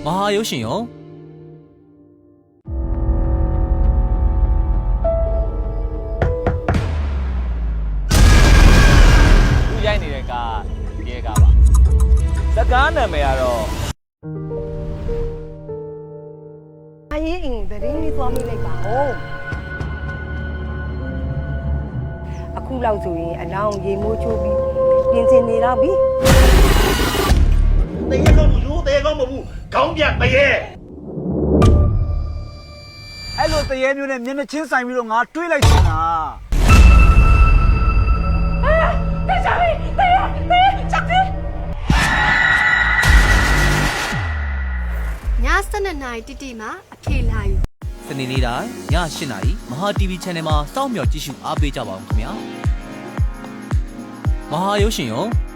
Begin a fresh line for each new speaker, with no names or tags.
ဟာရုပ်ရှင်ရော
သူရိုက်နေတဲ့ကရဲကပါစကားနာမည်ကတော့
အရင်အင်းဗရင်းလေးသွားမိလိုက်ပါဦးအခုလောက်ဆိုရင်အလောင်းရေမိုးချိုးပြီးပြင်ဆင်နေတော့ပြီ
တရေကောင်းလူတရေကောင်းမဟုတ်ဘူးခေါင်းပြတရေ
အဲ့လိုတရေမျိုးနဲ့မျက်နှာချင်းဆိုင်ပြီးတော့ငါတွေးလိုက်ချင်တာ
ည7:00 နာရီတိတိမှာအဖေလာယူ
စနေနေ့တိုင်းည8:00 နာရီမဟာ TV Channel မှာစောင့်မျှော်ကြည့်ရှုအားပေးကြပါဦးခင်ဗျာမဟာရုပ်ရှင်ရော